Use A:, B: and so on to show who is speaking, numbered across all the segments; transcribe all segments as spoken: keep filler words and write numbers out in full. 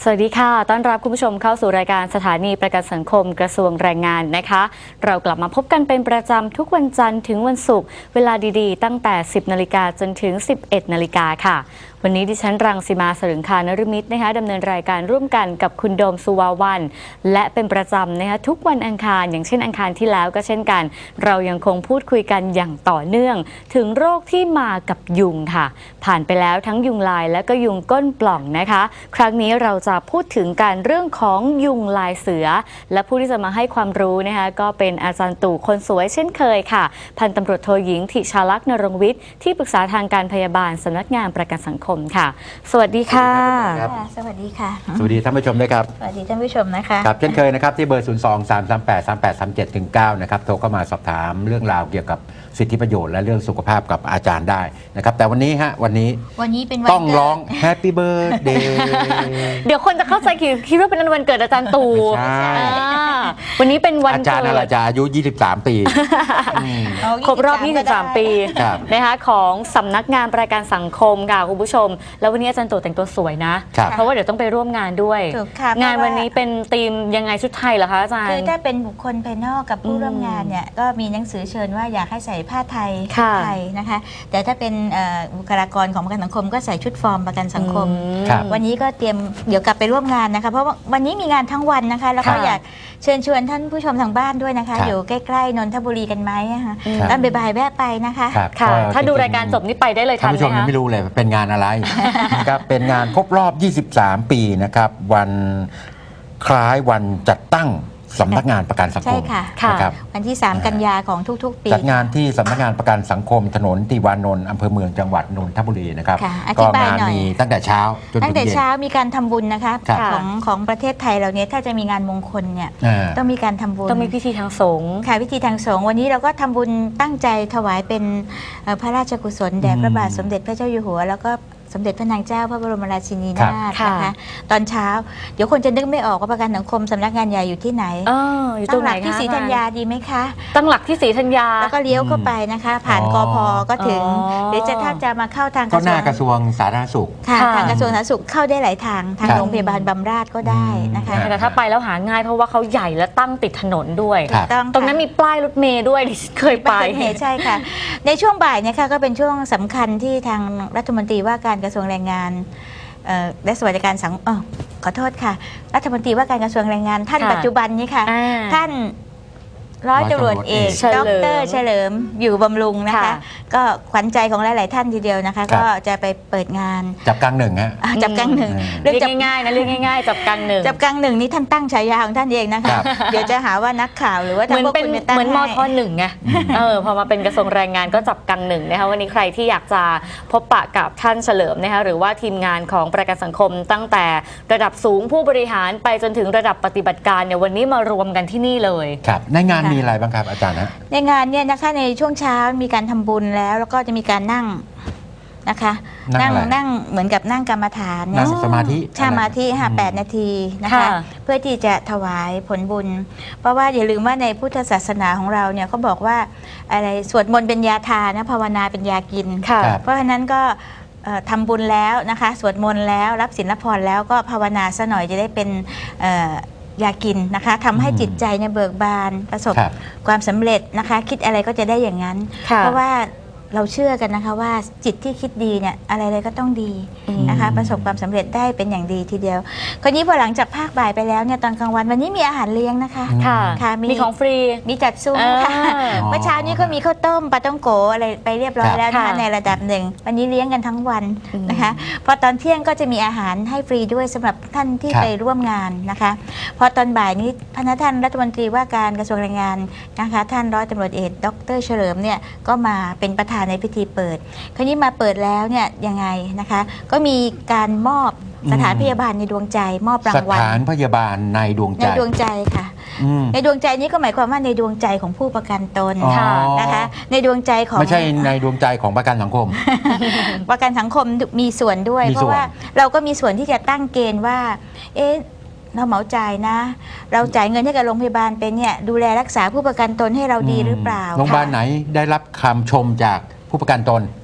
A: สวัสดีค่ะต้อนรับคุณผู้ชมเข้าสู่รายการสถานีประกันสังคมกระทรวงแรงงานนะคะเรากลับมาพบกันเป็นประจำทุกวันจันทร์ถึงวันศุกร์เวลาดีๆตั้งแต่สิบนาฬิกาจนถึงสิบเอ็ดนาฬิกาค่ะวันนี้ดิฉันรังสีมาสรึงคานฤมิตนะคะดำเนินรายการร่วมกันกับคุณโดมสุวาวันและเป็นประจำนะคะทุกวันอังคารอย่างเช่นอังคารที่แล้วก็เช่นกันเรายังคงพูดคุยกันอย่างต่อเนื่องถึงโรคที่มากับยุงค่ะผ่านไปแล้วทั้งยุงลายและก็ยุงก้นปล่องนะคะครั้งนี้เราจะพูดถึงการเรื่องของยุงลายเสือและผู้ที่จะมาให้ความรู้นะคะก็เป็นอาจารย์ตู่คนสวยเช่นเคยค่ะพันตำรวจโทหญิงธิชาลักษณ์นรงค์วิทย์ที่ปรึกษาทางการพยาบาลสำนักงานประกันสังคมค่ะสวัสดีค่ะ
B: สวัสดีค่ะ
C: สวัสดีท่านผู้ชมด้วยครับ
B: สวัสดีท่านผู้ชมนะคะ
C: ครับเช่นเคยนะครับที่เบอร์ ศูนย์ สอง สาม สาม แปด สาม แปด สาม เจ็ด ถึง เก้า นะครับโทรเข้ามาสอบถามเรื่องราวเกี่ยวกับสิทธิประโยชน์และเรื่องสุขภาพกับอาจารย์ได้นะครับแต่วันนี้ฮะวันนี้
B: วันนี้เป็นวัน
C: ต้องร้อง Happy Birthday
A: เดี๋ยวคนจะเข้าใจคิดว่าเป็นวันเกิดอาจารย์ตู่วันนี้เป็นวัน
C: อาจารย์อะไรจะอายุยี่สิบสามปี
A: ครบรอบยี่สิบสามปีนะคะของสำนักงานประกันสังคมค่ะคุณผู้ชมแล้ววันนี้อาจารย์ตู่แต่งตัวสวยนะเพราะว่าเดี๋ยวต้องไปร่วมงานด้วยงานวันนี้เป็นธีมยังไงชุดไทยเหรอคะอาจารย์
B: คือถ้าเป็นบุคคลภายนอกกับผู้ร่วมงานเนี่ยก็มีหนังสือเชิญว่าอยากให้ใส่ผ้าไทยไทยนะคะแต่ถ้าเป็นบุคลากรของประกันสังคมก็ใส่ชุดฟอร์มประกันสังคมวันนี้ก็เตรียมเดี๋ยวกลับไปร่วมงานนะคะเพราะว่าวันนี้มีงานทั้งวันนะคะแล้วก็อยากเชิญชวนท่านผู้ชมทางบ้านด้วยนะคะอยู่ใกล้ๆนนทบุรีกันไหมนะคะตอนบ่ายๆแวะไปนะคะ
A: ค่ะถ้าดูรายการจบนี้ไปได้เลยทันไหมคะ
C: ท่านผู้ชมยังไม่รู้เลยเป็นงานอะไรนะครับเป็นงานครบรอบยี่สิบสามปีนะครับวันคล้ายวันจัดตั้งสำนักงานประกันสังคม
B: นะครับวันที่สามกันยาของทุกๆปี
C: จัดงานที่สำนักงานประกันสังคมถนนติวานนท์อำเภอเมืองจังหวัดนนทบุรีนะครับก็งานมีตั้งแต่เช้าจนถึงเย็น
B: ตั้งแต่เช้ามีการทำบุญนะคะของของประเทศไทยเราเนี่ยถ้าจะมีงานมงคลเนี่ยต้องมีการทำบุญ
A: ต้องมีพิธีทางสงฆ์
B: ค่ะพิธีทางสงฆ์วันนี้เราก็ทำบุญตั้งใจถวายเป็นพระราชกุศลแด่พระบาทสมเด็จพระเจ้าอยู่หัวแล้วก็สมเด็จพระนางเจ้าพระบรมราชินีนาถนะคะตอนเช้าเดี๋ยวคนจะนึกไม่ออกว่าประกันสังคมสำนักงานใหญ่อยู่ที่ไหน
A: ตั้งหลัก
B: ที่ศรีธัญญาดีไหมคะ
A: ตั้งหลักที่ศรีธัญญา
B: แล้วก็เลี้ยวเข้าไปนะคะผ่านกพ.ก็ถึงหรือจะถ้าจะมาเข้าทาง
C: ก็หน้ากระทรวงสาธารณสุข
B: ค่ะทางกระทรวงสาธารณสุขเข้าได้หลายทางทางโรงพยาบาลบำราศก็ได้นะคะ
A: แต่ถ้าไปแล้วหาง่ายเพราะว่าเขาใหญ่และตั้งติดถนนด้วยตรงนั้นมีป้ายรถเมล์ด้วยดิฉันเคยไป
B: ใช่ค่ะในช่วงบ่ายเนี่ยค่ะก็เป็นช่วงสำคัญที่ทางรัฐมนตรีว่าการกระทรวงแรงงานและสวัสดิการสังคมขอโทษค่ะรัฐมนตรีว่าการกระทรวงแรงงานท่านปัจจุบันนี้ค่ะท่านร้อยตำรวจเอกดร.เฉลิมอยู่บำรุงนะคะก็ขวัญใจของหลายๆท่านทีเดียวนะคะก็จะไปเปิดงาน
C: จับกังหนึ่งฮะ
B: จับกังหนึ่ง
A: เรื่องง่ายๆนะเรื่องง่ายๆจับกังหนึ่ง
B: จับกังหนึ่งนี่ท่านตั้งฉายาของท่านเองนะคะเดี๋ยวจะหาว่านักข่าวหรือว่า
A: เหมือนเป็นเหมือนมทหนึ่งไงเออพอมาเป็นกระทรวงแรงงานก็จับกังหนึ่งนะคะวันนี้ใครที่อยากจะพบปะกับท่านเฉลิมนะคะหรือว่าทีมงานของประกันสังคมตั้งแต่ระดับสูงผู้บริหารไปจนถึงระดับปฏิบัติการเนี่ยวันนี้มารวมกันที่นี่เลย
C: ครับในงานมีอะไรบ้างครับอาจารย์
B: ในงานเนี่ยนะคะในช่วงเช้ามีการทำบุญแล้วแล้วก็จะมีการนั่งนะคะนั่งนั่งเหมือนกับนั่งกรรมฐาน
C: นั่งสมาธิ
B: สมาธิค่ะแปดนาทีนะคะเพื่อที่จะถวายผลบุญเพราะว่าอย่าลืมว่าในพุทธศาสนาของเราเนี่ยเขาบอกว่าอะไรสวดมนต์เป็นยาทานนะภาวนาเป็นยากินเพราะฉะนั้นก็ทำบุญแล้วนะคะสวดมนต์แล้วรับศีลรับพรแล้วก็ภาวนาซะหน่อยจะได้เป็นยากินนะคะทำให้จิตใจเนี่ยเบิกบานประสบความสำเร็จนะคะคิดอะไรก็จะได้อย่างนั้นเพราะว่าเราเชื่อกันนะคะว่าจิตที่คิดดีเนี่ยอะไรๆก็ต้องดีนะคะประสบความสำเร็จได้เป็นอย่างดีทีเดียวคราวนี้พอหลังจากภาคบ่ายไปแล้วเนี่ยตอนกลางวันวันนี้มีอาหารเลี้ยงนะคะ
A: ค่ะมีของฟรี
B: มีจัดซุ้มค่ะเมื่อเช้านี้ก็มีข้าวต้มปลาต้องโกอะไรไปเรียบร้อยแล้วนะคะในระดับหนึ่งวันนี้เลี้ยงกันทั้งวันนะคะพอตอนเที่ยงก็จะมีอาหารให้ฟรีด้วยสำหรับท่านที่ไปร่วมงานนะคะพอตอนบ่ายนี้พระท่านรัฐมนตรีว่าการกระทรวงแรงงานนะคะท่านร้อยตำรวจเอกดร.เฉลิมเนี่ยก็มาเป็นประธานในพิธีเปิดคราวนี้มาเปิดแล้วเนี่ยยังไงนะคะก็มีการมอบสถานพยาบาลในดวงใจมอบรางวัล
C: สถานพยาบาลในดวงใจ
B: ในดวงใจค่ะในดวงใจนี้ก็หมายความว่าในดวงใจของผู้ประกันตนนะคะในดวงใจของ
C: ไม่ใช่ในดวงใจของประกันสังคม
B: ประกันสังคมมีส่วนด้วยเพราะว่าเราก็มีส่วนที่จะตั้งเกณฑ์ว่าเอ๊ะเราเหมาจ่ายนะเราจ่ายเงินให้กับโรงพยาบาลเป็นเนี่ยดูแลรักษาผู้ประกันตนให้เราดีหรือเปล่า
C: โรงพยาบาลไหนได้รับคำชมจากผู้ประกันตน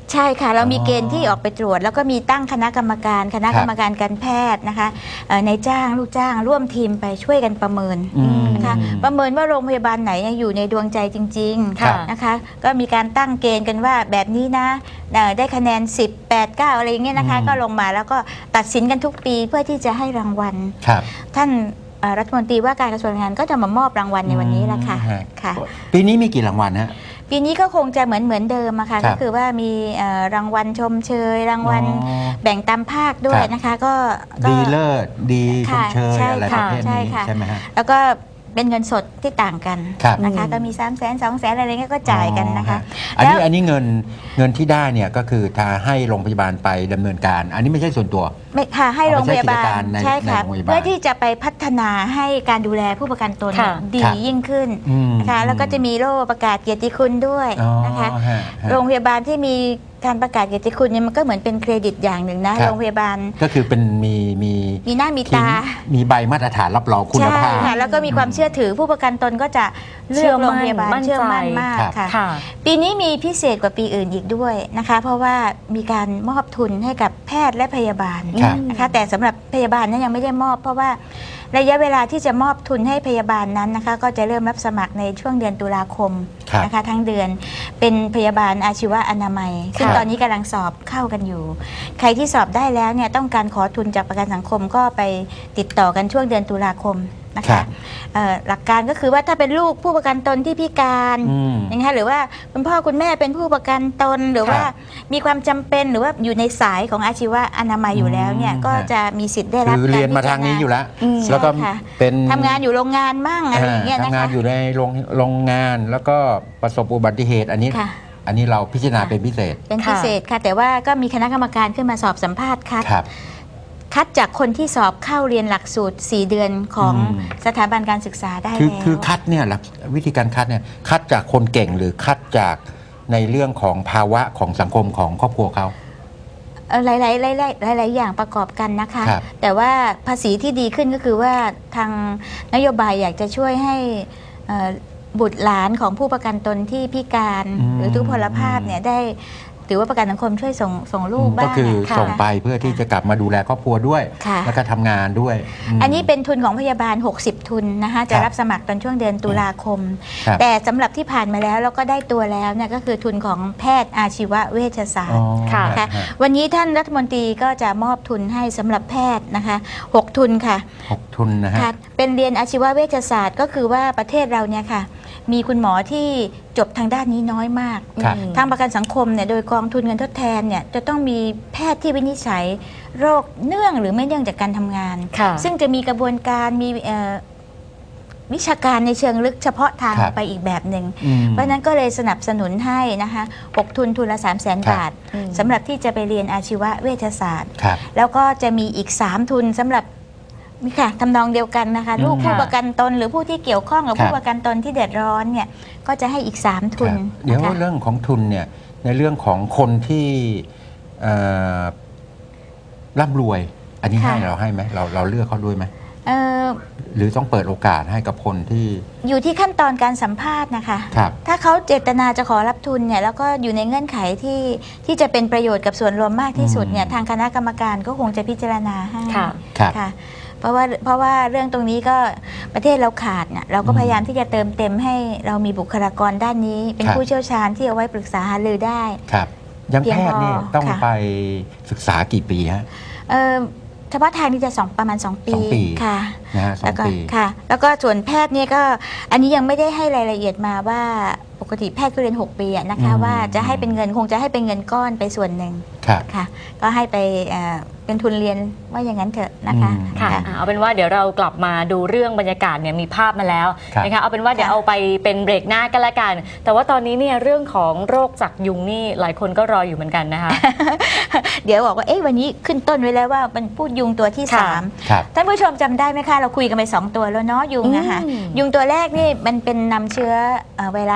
B: ใช่ค่ะเรามี
C: อ๋อ
B: เกณฑ์ที่ออกไปตรวจ แล้วก็มีตั้งคณะกรรมการคณะกรรมการการแพทย์นะคะเอ่อในจ้างลูกจ้างร่วมทีมไปช่วยกันประเมิน
C: อืม
B: นะคะประเมินว่าโรงพยาบาลไหนอยู่ในดวงใจจริง
C: ครับ
B: ๆนะคะก็มีการตั้งเกณฑ์กันว่าแบบนี้นะเอ่อได้คะแนนสิบ แปด เก้าอะไรอย่างเงี้ยนะคะ
C: อืม
B: ก็ลงมาแล้วก็ตัดสินกันทุกปีเพื่อที่จะให้รางวัล
C: ครับ
B: ท่านเอ่อรัฐมนตรีว่าการกระทรวงแรงงานก็จะมามอบรางวัลในวันนี้แหละค่ะ
C: อืมฮ
B: ค่ะ
C: ปีนี้มีกี่รางวัลฮะ
B: ปีนี้ก็คงจะเหมือนเหมือนเดิมอะค่ะ
C: ครั
B: ก็
C: บ
B: คือว่ามีเอ่อรางวัลชมเชย รางวัล
C: อ๋อ
B: แบ่งตามภาคด้วย
C: ครับ
B: นะคะก็ก็
C: ดีเลิศดีชม
B: ค่ะ
C: เชย
B: ใช่
C: อะไรป
B: ค่ะ
C: ระเภท
B: ใช่
C: นี้
B: ค่ะ
C: ใช่ไหมฮะ
B: แล้วก็เป็นเงินสดที่ต่างกัน
C: ครับ
B: นะคะ
A: อืม
B: ก็มีสามแสนสองแสนอะไรเงี้ยก็จ่ายกันนะคะ
C: อ๋อฮอันนี้
B: แล้ว
C: อันนี้เงินเงินที่ได้เนี่ยก็คือถ้าให้โรงพยาบาลไปดำเนินการ อันนี้ไม่ใช่ส่วนตัว
B: ไม่ค่ะให้
C: เอา
B: โร
C: ไป
B: งพยาบา
C: ใช้กิจกา
B: ล
C: รใน
B: ใช่ค่ะ
C: ในโรงพยาบาล
B: เพื่อที่จะไปพัฒนาให้การดูแลผู้ประกันตน
A: ค่ะ
B: ดี
C: ครับ
B: ยิ่งขึ้น
C: อืม
B: นะคะแล้วก็จะมีโล่ประกาศเกียรติคุณด้วย
C: อ๋อ
B: นะคะ
C: ฮะฮะ
B: โรงพยาบาลที่มีการประกาศเกียรติคุณเนี่ยมันก็เหมือนเป็นเครดิตอย่างหนึ่งนะครับ โรงพยาบาล
C: ก็คือเป็นมีมี
B: มีหน้ามี
C: ที่
B: ตา
C: มีใบมาตรฐานรับรองคุณ
B: ใช่
C: ภาพ
B: ค่ะแล้วก็มีความเชื่อถือผู้ประกันตนก็จะเลือกโรงพยาบาล
A: มั่นใจ
B: เชื่อมั่นมาก
C: ครับ
B: ค่ะ
A: ค่ะ
B: ปีนี้มีพิเศษกว่าปีอื่นอีกด้วยนะคะ เพราะว่ามีการมอบทุนให้กับแพทย์และพยาบาล
C: ครับ
B: นะคะแต่สำหรับพยาบาลนั้นยังไม่ได้มอบ เพราะว่าระยะเวลาที่จะมอบทุนให้พยาบาลนั้นนะคะ ก็จะเริ่มรับสมัครในช่วงเดือนตุลาคม
C: ครับ
B: นะคะทั้งเดือนเป็นพยาบาลอาชีวะอนามัย ซึ่ง
C: ครับ
B: ตอนนี้กำลังสอบเข้ากันอยู่ ใครที่สอบได้แล้วเนี่ยต้องการขอทุนจากประกันสังคมก็ไปติดต่อกันช่วงเดือนตุลาคมนะ
C: ครั
B: คะ
C: บ
B: เอ่อหลักการก็คือว่าถ้าเป็นลูกผู้ประกันตนที่พิการ
C: อืม
B: นะคะหรือว่าคุณพ่อคุณแม่เป็นผู้ประกันตน หรือว่า
C: ครับ
B: มีความจำเป็นหรือว่าอยู่ในสายของอาชีวะอนามัยอยู่แล้วเนี่ย
C: อืม
B: ก็
C: ฮะ
B: จะมีสิทธิ์ได้รับ
C: คือเรียนมาทางนี้อยู่แล้ว
A: อืม
C: แล้วก็
B: ใช่ค่ะ
C: เป็น
B: ทำงานอยู่โรงงานมั่งอะไรอย่างเงี้ยนะ
C: ทำงา
B: คะ
C: นอยู่ในโรงโรงงานแล้วก็ประสบอุบัติเหตุอันนี้
B: ค่ะ
C: อันนี้เราพิจารณา
B: ค่ะ
C: เป็นพิเศษ
B: เป็นพิเศษค่ะ แต่ว่าก็มีคณะกรรมการขึ้นมาสอบสัมภาษณ์คัด
C: ครับ
B: คัดจากคนที่สอบเข้าเรียนหลักสูตร สี่ เดือนของ
C: อืม
B: สถาบันการศึกษาได้
C: คือ
B: แล้ว
C: คือคัดเนี่ยหลักวิธีการคัดเนี่ยคัดจากคนเก่งหรือคัดจากในเรื่องของภาวะของสังคมของครอบครัวเขา
B: เอ่อหลายๆหลายๆหลายๆอย่างประกอบกันนะคะ
C: ครับ
B: แต่ว่าภาษีที่ดีขึ้นก็คือว่าทางนโยบายอยากจะช่วยให้เอ่อบุตรหลานของผู้ประกันตนที่พิการ
C: อืม
B: หรือทุพพลภาพเนี่ยได้ถือว่าประกันสังคมช่วยส่งส่งลูกบ้าง
C: ก็คือ
B: ค่ะ
C: ส่งไปเพื่อที่จะกลับมาดูแลครอบครัวด้วย
B: ค่ะ
C: แล้วก็ทำงานด้วยม
B: อันนี้เป็นทุนของพยาบาล หกสิบ ทุนนะคะจะ
C: ครับ
B: รับสมัครตอนช่วงเดือนตุลาคม
C: ครับ
B: แต่สำหรับที่ผ่านมาแล้วแล้วก็ได้ตัวแล้วเนี่ยก็คือทุนของแพทย์อาชีวเวชศาสต
C: อ๋อ
B: ร์
A: ค่ะ
B: นะคะ
C: ฮะ
B: วันนี้ท่านรัฐมนตรีก็จะมอบทุนให้สำหรับแพทย์นะคะหกทุนค่ะ
C: หกทุนนะฮะ
B: ค่ะ เป็นเรียนอาชีวเวชศาสตร์ก็คือว่าประเทศเราเนี่ยค่ะ มีคุณหมอที่จบทางด้านนี้น้อยมาก
C: ครับ
A: อืม
B: ทางประกันสังคมเนี่ยโดยกองทุนเงินทดแทนเนี่ยจะต้องมีแพทย์ที่วินิจฉัยโรคเนื่องหรือไม่เนื่องจากการทำงาน
A: ค่ะ
B: ซึ่งจะมีกระบวนการมีเอ่อวิชาการในเชิงลึกเฉพาะทาง
C: ครับ
B: ไปอีกแบบหนึ่ง
C: อืม
B: เพราะฉะนั้นก็เลยสนับสนุนให้นะคะหกทุนทุนละ สามแสน
C: ครับ
B: บาท
A: อืม
B: สำหรับที่จะไปเรียนอาชีวเวชศาสตร์
C: ครับ
B: แล้วก็จะมีอีก สาม ทุนสำหรับนี่ค่ะทำนองเดียวกันนะคะ
C: อืม
B: ลูกผู้
A: ค่ะ
B: ประกันตน หรือผู้ที่เกี่ยวข้องกับ
C: ครับ
B: ผู้ประกันตนที่เดือดร้อนเนี่ยก็จะให้อีก สาม ทุน
C: ครับเดี๋ยว
B: นะคะ
C: เรื่องของทุนเนี่ยในเรื่องของคนที่เอ่อร่ำรวย อันนี้ให้เราให้ไหมเราเราเลือกเขาด้วยไหม
B: เอ่อ
C: หรือต้องเปิดโอกาสให้กับคนที่
B: อยู่ที่ขั้นตอนการสัมภาษณ์นะคะ
C: ครับ
B: ถ้าเขาเจตนาจะขอรับทุนเนี่ยแล้วก็อยู่ในเงื่อนไขที่ที่จะเป็นประโยชน์กับส่วนรวมมากที่สุดเนี่ย
C: อืม
B: ทางคณะกรรมการก็คงจะพิจารณาให้
A: ค่ะ
C: ครับ
B: ค่ะเพราะว่าเพราะว่าเรื่องตรงนี้ก็ประเทศเราขาดเนี่ยเราก็
C: อืม
B: พยายามที่จะเติมเต็มให้เรามีบุคลากรด้านนี้ เป็น
C: ครับ
B: ผู้เชี่ยวชาญที่เอาไว้ปรึกษาหารือได้
C: ครับอยัง
B: เพีย
C: แพ
B: ง
C: ทย์นี่
B: พอ
C: ต้อง
B: ค่ะ
C: ไปศึกษากี่ปีฮะ
B: เอ่อเฉพาะทางนี่จะสองประมาณ สอง ปี
C: สองปี
B: ค่ะ
C: นะฮะสอ
B: แล้ว
C: ง
B: ก็
C: ปี
B: ค่ะ แล้วก็ส่วนแพทย์เนี่ยก็อันนี้ยังไม่ได้ให้รายละเอียดมาว่าปกติแพทย์ก็เรียน หก ปีอะนะคะ
C: อืม
B: ว่าจะให้เป็นเงินคงจะให้เป็นเงินก้อนไปส่วนหนึ่ง
C: ครับ
B: ค่ะ ก็ให้ไปเอ่อเป็นทุนเรียนว่าอย่างนั้นเถอะนะคะ
C: อืม
A: ค่ะ
B: ค่ะ
A: อ่าเอาเป็นว่าเดี๋ยวเรากลับมาดูเรื่องบรรยากาศเนี่ยมีภาพมาแล้ว
C: ครับ
A: นะคะเอาเป็นว่าเดี๋ยว
B: ค่ะ
A: เอาไปเป็นเบรกหน้ากันละกัน แต่ว่าตอนนี้เนี่ยเรื่องของโรคจากยุงนี่หลายคนก็รออยู่เหมือนกันนะคะ
B: เดี๋ยวบอกว่าเอ๊ะวันนี้ขึ้นต้นไว้แล้วว่ามันพูดยุงตัวที่
A: ค่ะ
B: สาม
C: ครับ
B: ท่านผู้ชมจำได้ไหมคะ เราคุยกันไปสองตัวแล้วเนาะยุงอะค่ะ
A: อืม
B: ยุงตัวแรกนี่มันเป็นนำเชื้อเอ่อไวรัส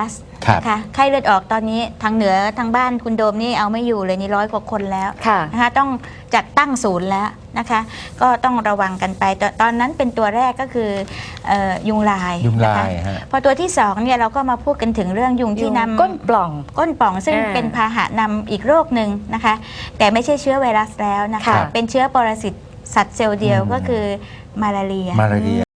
C: ครับ
B: นะคะไข้เลือดออกตอนนี้ทางเหนือทางบ้านคุณโดมนี่เอาไม่อยู่เลยนี่ร้อยกว่าคนแล้ว
A: ค่ะ
B: นะคะต้องจัดตั้งศูนย์แล้วนะคะ ก็ต้องระวังกันไปตตอนนั้นเป็นตัวแรกก็คือเอ่อยุงลาย
C: ยุงลา
B: นะคะ
C: ยฮะ
B: พอตัวที่สองเนี่ยเราก็มาพูดกันถึงเรื่องยุงที่นำ
A: ก้นปล่อง
B: ก้นป่องซึ่ง
A: อ่า
B: เป็นพาหะนำอีกโรคหนึ่งนะคะ แต่ไม่ใช่เชื้อไวรัสแล้วนะคะ
A: ค่ะ
B: เป็นเชื้อปรสิตสัตว์เซลล์เดียวก็คือมาลาเรีย
C: มาลาเรีย